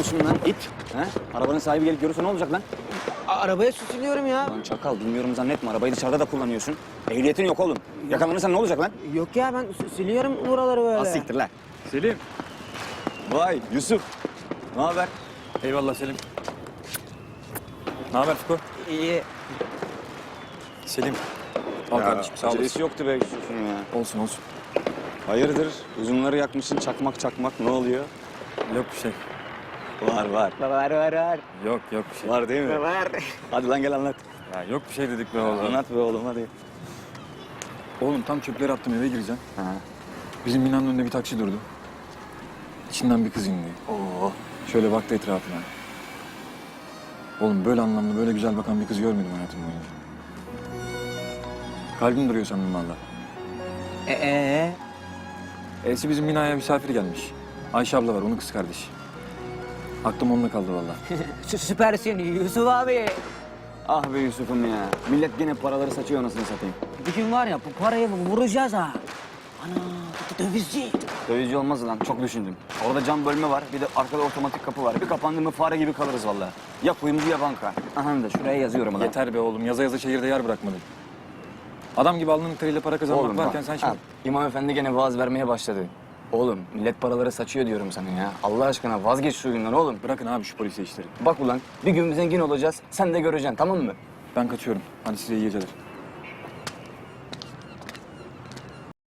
yapıyorsun lan it? He? Arabanın sahibi gelip görürse ne olacak lan? Arabaya süsülüyorum ya. Lan çakal bilmiyorum zannetme. Arabayı dışarıda da kullanıyorsun. Ehliyetin yok oğlum. Yakalanırsan ne olacak lan? Yok ya ben siliyorum buraları böyle. Az siktir lan. Selim. Vay Yusuf. Ne haber? Eyvallah Selim. Ne haber Fiko? İyi. Selim. Al kardeşim sağ olasın. Acelesi yoktu be Yusuf'un ya. Olsun olsun. Hayırdır? Uzunları yakmışsın çakmak ne oluyor? Yok bir şey. Var. Var. Yok bir şey. Var değil mi? Var. Hadi lan gel anlat. Ya yok bir şey dedik be oğlum. Anlat be oğlum hadi. Oğlum tam çöpleri attım eve gireceğim. Ha. Bizim binanın önünde bir taksi durdu. İçinden bir kız indi. Oo. Şöyle baktı etrafına. Oğlum böyle anlamlı, böyle güzel bakan bir kız görmedim hayatım boyunca. Kalbim duruyor sandım valla. E'si bizim binaya misafir gelmiş. Ayşe abla var, onun kız kardeşi. Aklım onunla kaldı valla. Süpersin Yusuf abi. Ah be Yusuf'um ya. Millet gene paraları saçıyor anasını satayım. Bir gün var ya bu parayı vuracağız ha. Ana dövizci. Dövizci olmaz lan çok düşündüm. Orada cam bölme var bir de arkada otomatik kapı var. Bir kapandı mı fare gibi kalırız vallahi. Ya kuyumcu ya banka. Aha da şuraya yazıyorum lan. Yeter be oğlum, yaza yaza şehirde yer bırakmadın. Adam gibi alnının teriyle para kazanmak Oğlum varken bak, sen şimdi... al. İmam Efendi gene vaaz vermeye başladı. Oğlum millet paraları saçıyor diyorum sana ya. Allah aşkına vazgeç şu oyundan oğlum. Bırakın abi şu polise işleri. Bak ulan bir gün zengin olacağız sen de göreceksin tamam mı? Ben kaçıyorum. Hadi size iyi geceler.